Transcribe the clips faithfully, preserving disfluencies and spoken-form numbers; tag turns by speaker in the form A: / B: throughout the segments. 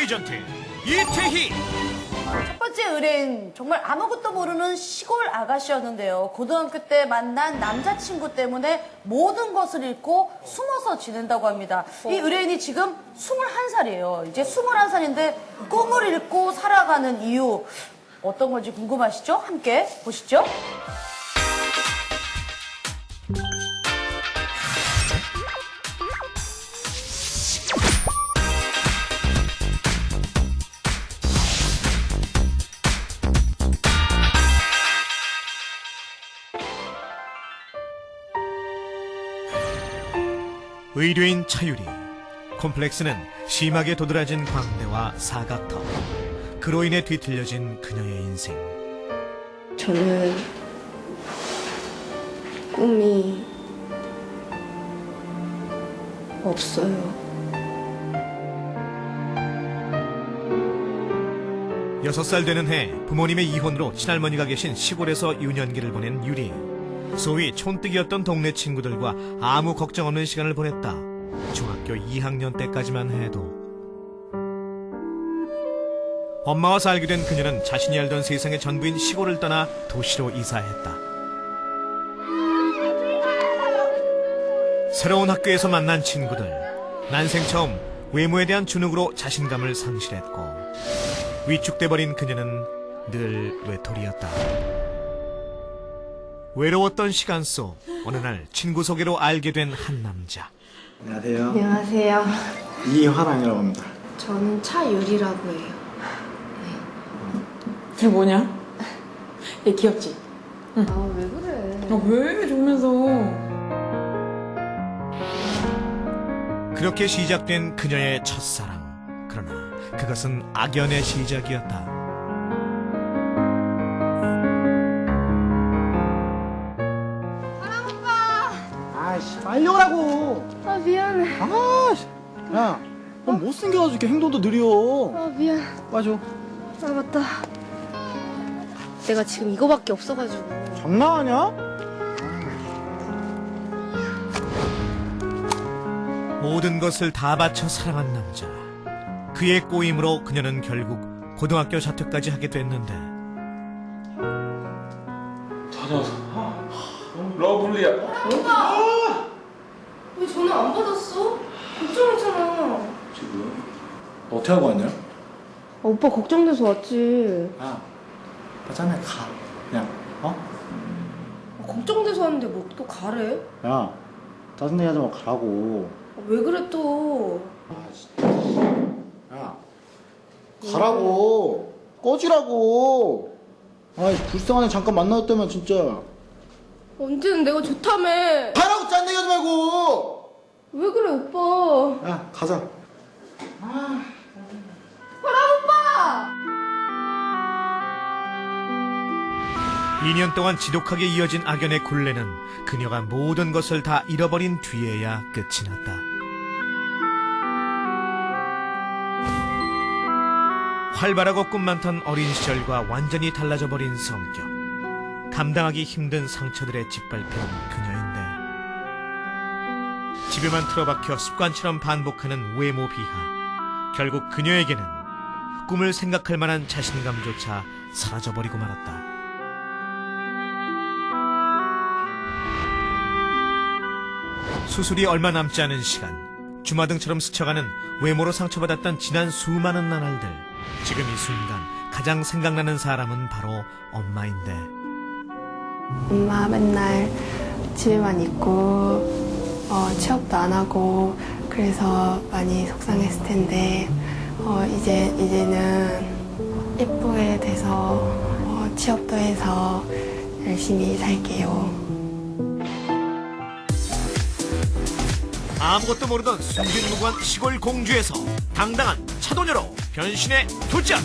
A: 에이전트 이태희.
B: 첫 번째 의뢰인, 정말 아무것도 모르는 시골 아가씨였는데요. 고등학교 때 만난 남자친구 때문에 모든 것을 잃고 숨어서 지낸다고 합니다. 이 의뢰인이 지금 스물한 살이에요. 이제 스물한 살인데 꿈을 잃고 살아가는 이유 어떤 건지 궁금하시죠? 함께 보시죠.
A: 의뢰인 차유리. 콤플렉스는 심하게 도드라진 광대와 사각턱. 그로 인해 뒤틀려진 그녀의 인생.
C: 저는 꿈이 없어요.
A: 여섯 살 되는 해 부모님의 이혼으로 친할머니가 계신 시골에서 유년기를 보낸 유리. 소위 촌뜨기였던 동네 친구들과 아무 걱정 없는 시간을 보냈다. 중학교 이 학년 때까지만 해도. 엄마와 살게 된 그녀는 자신이 알던 세상의 전부인 시골을 떠나 도시로 이사했다. 새로운 학교에서 만난 친구들. 난생 처음 외모에 대한 주눅으로 자신감을 상실했고 위축돼버린 그녀는 늘 외톨이였다. 외로웠던 시간 속 어느 날 친구 소개로 알게 된 한 남자.
D: 안녕하세요.
C: 안녕하세요.
D: 이화랑이라고 합니다.
C: 저는 차유리라고 해요.
E: 걔 뭐냐? 얘 귀엽지?
C: 아, 왜 그래?
E: 아, 왜 좋으면서.
A: 그렇게 시작된 그녀의 첫사랑. 그러나 그것은 악연의 시작이었다.
D: 아이씨, 빨리 오라고!
C: 아, 미안해.
D: 아이씨! 야, 넌 못생겨가지고 이렇게 행동도 느려.
C: 아, 미안.
D: 빠져.
C: 아, 맞다. 내가 지금 이거밖에 없어가지고.
D: 장난하냐?
A: 모든 것을 다 바쳐 사랑한 남자. 그의 꼬임으로 그녀는 결국 고등학교 자퇴까지 하게 됐는데
F: 다녀와서 러블리야.
C: 왜 전화 안 받았어? 걱정했잖아.
D: 지금? 너 어떻게 하고 왔냐?
C: 아, 오빠 걱정돼서 왔지.
D: 야, 나 짠해, 가. 그냥, 어?
C: 아, 걱정돼서 왔는데 뭐 또 가래?
D: 야, 짜증내게 하지 말고 가라고.
C: 아, 왜 그래 또?
D: 아, 진짜. 야, 가라고. 꺼지라고. 아이, 불쌍하네. 잠깐 만나줬다면 진짜.
C: 언제는 내가 좋다며.
D: 가라고, 짠내게 하지 말고!
C: 왜 그래 오빠?
D: 야, 가자.
A: 이 년 동안 지독하게 이어진 악연의 굴레는 그녀가 모든 것을 다 잃어버린 뒤에야 끝이 났다. 활발하고 꿈 많던 어린 시절과 완전히 달라져 버린 성격. 감당하기 힘든 상처들에 짓밟힌 그녀인데 집에만 틀어박혀 습관처럼 반복하는 외모 비하. 결국 그녀에게는 꿈을 생각할 만한 자신감조차 사라져버리고 말았다. 수술이 얼마 남지 않은 시간, 주마등처럼 스쳐가는 외모로 상처받았던 지난 수많은 나날들. 지금 이 순간 가장 생각나는 사람은 바로 엄마인데
G: 엄마 맨날 집에만 있고 어, 취업도 안 하고 그래서 많이 속상했을 텐데 어, 이제 이제는 예쁘게 돼서 어, 취업도 해서 열심히 살게요.
A: 아무것도 모르던 순진무구한 시골 공주에서 당당한 차도녀로 변신의 도전!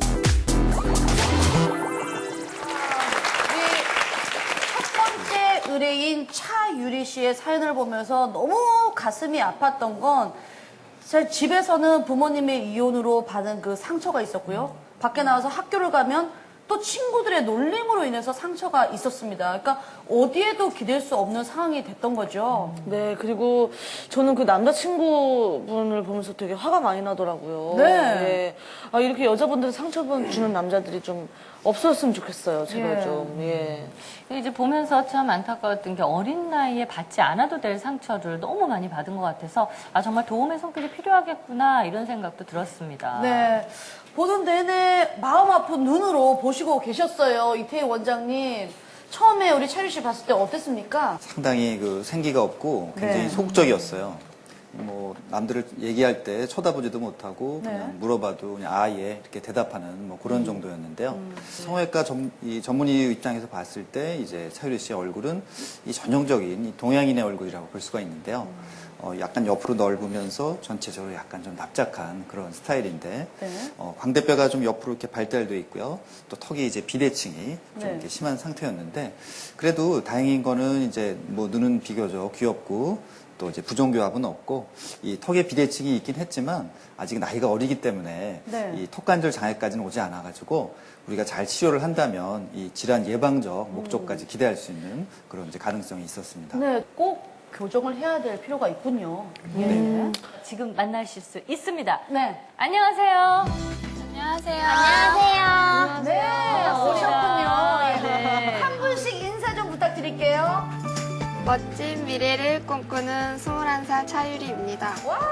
B: 첫 번째 의뢰인 차유리 씨의 사연을 보면서 너무 가슴이 아팠던 건 제 집에서는 부모님의 이혼으로 받은 그 상처가 있었고요. 밖에 나와서 학교를 가면 또 친구들의 놀림으로 인해서 상처가 있었습니다. 그러니까 어디에도 기댈 수 없는 상황이 됐던 거죠.
H: 네, 그리고 저는 그 남자친구분을 보면서 되게 화가 많이 나더라고요.
B: 네.
H: 아, 이렇게 여자분들 상처 주는 남자들이 좀 없었으면 좋겠어요, 제발
B: 예.
H: 좀. 예.
I: 이제 보면서 참 안타까웠던 게 어린 나이에 받지 않아도 될 상처를 너무 많이 받은 것 같아서 아 정말 도움의 손길이 필요하겠구나 이런 생각도 들었습니다.
B: 네. 보는 내내 마음 아픈 눈으로 보시고 계셨어요. 이태희 원장님. 처음에 우리 차유 씨 봤을 때 어땠습니까?
J: 상당히 그 생기가 없고 굉장히
B: 네.
J: 소극적이었어요. 뭐 남들을 얘기할 때 쳐다보지도 못하고
B: 네.
J: 그냥 물어봐도 그냥 아예 이렇게 대답하는 뭐 그런 정도였는데요.
B: 음.
J: 성형외과 전, 이 전문의 입장에서 봤을 때 이제 차유리 씨의 얼굴은 이 전형적인 이 동양인의 얼굴이라고 볼 수가 있는데요. 어, 약간 옆으로 넓으면서 전체적으로 약간 좀 납작한 그런 스타일인데
B: 네.
J: 어, 광대뼈가 좀 옆으로 이렇게 발달돼 있고요. 또 턱이 이제 비대칭이 좀
B: 네.
J: 이렇게 심한 상태였는데 그래도 다행인 거는 이제 뭐 눈은 비교적 귀엽고 또 이제 부종교합은 없고 이 턱에 비대칭이 있긴 했지만 아직 나이가 어리기 때문에
B: 네.
J: 이 턱관절 장애까지는 오지 않아가지고 우리가 잘 치료를 한다면 이 질환 예방적 목적까지 기대할 수 있는 그런 이제 가능성이 있었습니다.
B: 네, 꼭 교정을 해야 될 필요가 있군요. 네.
I: 지금 만나실 수 있습니다.
B: 네.
I: 안녕하세요.
G: 안녕하세요.
I: 안녕하세요.
B: 네, 오셨군요. 예.
I: 네.
B: 한 분씩 인사 좀 부탁드릴게요.
G: 멋진 미래를 꿈꾸는 스물한 살 차유리입니다.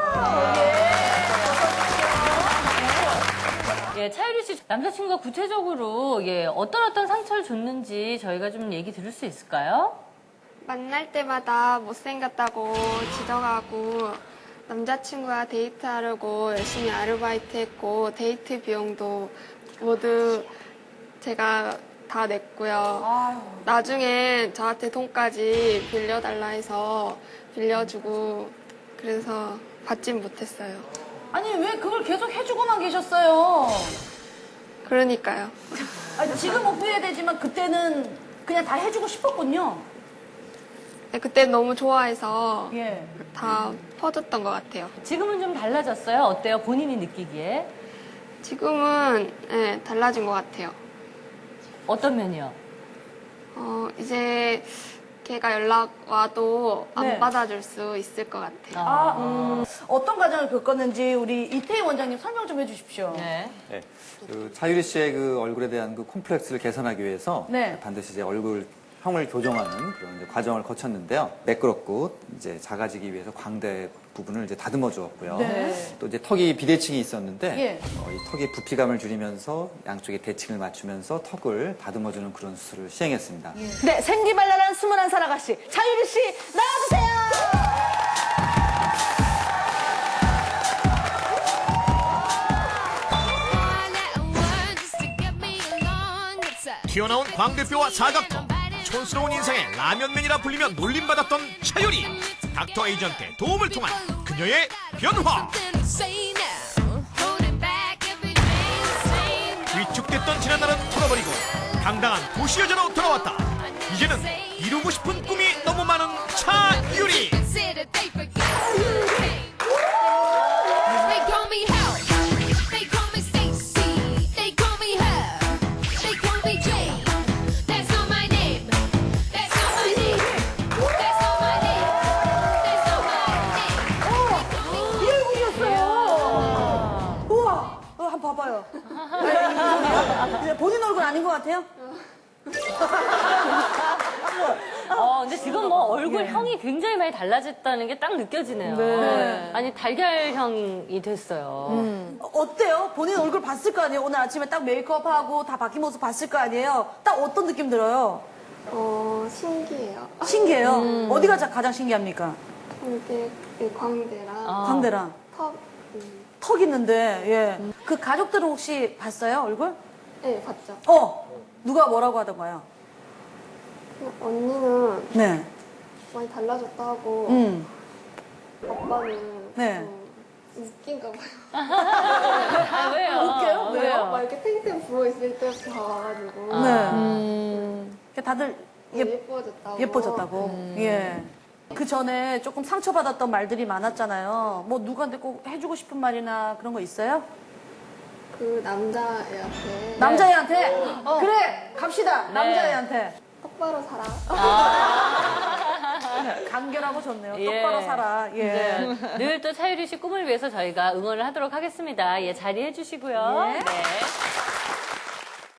I: 예, 차유리 씨 남자친구가 구체적으로 예, 어떤 어떤 상처를 줬는지 저희가 좀 얘기 들을 수 있을까요?
G: 만날 때마다 못생겼다고 지적하고 남자친구와 데이트하려고 열심히 아르바이트 했고 데이트 비용도 모두 제가 다 냈고요. 나중에 저한테 돈까지 빌려달라 해서 빌려주고 그래서 받진 못했어요.
B: 아니, 왜 그걸 계속 해주고만 계셨어요?
G: 그러니까요.
B: 아니, 지금 후회되지만 그때는 그냥 다 해주고 싶었군요.
G: 네, 그때 너무 좋아해서
B: 예.
G: 다 퍼졌던 것 같아요.
I: 지금은 좀 달라졌어요? 어때요? 본인이 느끼기에?
G: 지금은 네, 달라진 것 같아요.
I: 어떤 면이요?
G: 어, 이제 걔가 연락 와도 안
B: 네.
G: 받아줄 수 있을 것 같아요.
B: 아, 음, 어떤 과정을 겪었는지 우리 이태희 원장님 설명 좀 해주십시오.
I: 네.
J: 네. 그 차유리 씨의 그 얼굴에 대한 그 콤플렉스를 개선하기 위해서
B: 네.
J: 반드시 이제 얼굴 형을 교정하는 그런 이제 과정을 거쳤는데요. 매끄럽고 이제 작아지기 위해서 광대 부분을 이제 다듬어 주었고요.
B: 네.
J: 또 이제 턱이 비대칭이 있었는데
B: 예.
J: 어, 이 턱의 부피감을 줄이면서 양쪽의 대칭을 맞추면서 턱을 다듬어 주는 그런 수술을 시행했습니다.
H: 네, 생기발랄한 스물한 살 아가씨, 차유리 씨, 나와주세요!
A: 튀어나온 광대뼈와 사각턱, 촌스러운 인상의 라면맨이라 불리며 놀림받았던 차유리. 닥터 에이전트의 도움을 통한 그녀의 변화. 위축됐던 지난날은 털어버리고 당당한 도시 여자로 돌아왔다. 이제는 이루고 싶은 꿈이 너무 많은 차유리.
B: 이 얼굴이었어요. 우와, 어, 한번 봐봐요. 아니, 본인 얼굴 아닌 것 같아요?
I: 어, 근데 지금 뭐 얼굴형이 굉장히 많이 달라졌다는 게 딱 느껴지네요.
B: 네.
I: 아니, 달걀형이 됐어요.
B: 어, 어때요? 본인 얼굴 봤을 거 아니에요? 오늘 아침에 딱 메이크업하고 다 바뀐 모습 봤을 거 아니에요? 딱 어떤 느낌 들어요?
G: 어, 신기해요.
B: 신기해요. 어디가 자- 가장 신기합니까?
G: 광대, 네, 광대랑
I: 아.
B: 광대랑
G: 턱, 음,
B: 턱 있는데, 예. 그 가족들은 혹시 봤어요, 얼굴?
G: 네, 봤죠.
B: 어! 누가 뭐라고 하던가요?
G: 언니는
B: 네.
G: 많이 달라졌다고
B: 음.
G: 아빠는
B: 네.
G: 좀 웃긴가 봐요.
I: 아, 왜요?
B: 웃겨요? 왜요?
G: 막 이렇게 탱탱 부어있을 때부터 봐가지고
B: 네.
H: 음.
B: 다들
G: 예,
B: 예,
G: 예뻐졌다고.
B: 예뻐졌다고. 예. 그 전에 조금 상처받았던 말들이 많았잖아요. 뭐 누구한테 꼭 해주고 싶은 말이나 그런 거 있어요?
G: 그 남자애한테
B: 남자애한테? 그래, 갑시다.
I: 네.
B: 남자애한테.
G: 똑바로 살아.
B: 간결하고 좋네요.
I: 예.
B: 똑바로 살아. 예.
I: 네. 늘 또 차유리 씨 꿈을 위해서 저희가 응원을 하도록 하겠습니다. 예, 자리해 주시고요.
B: 예.
I: 네.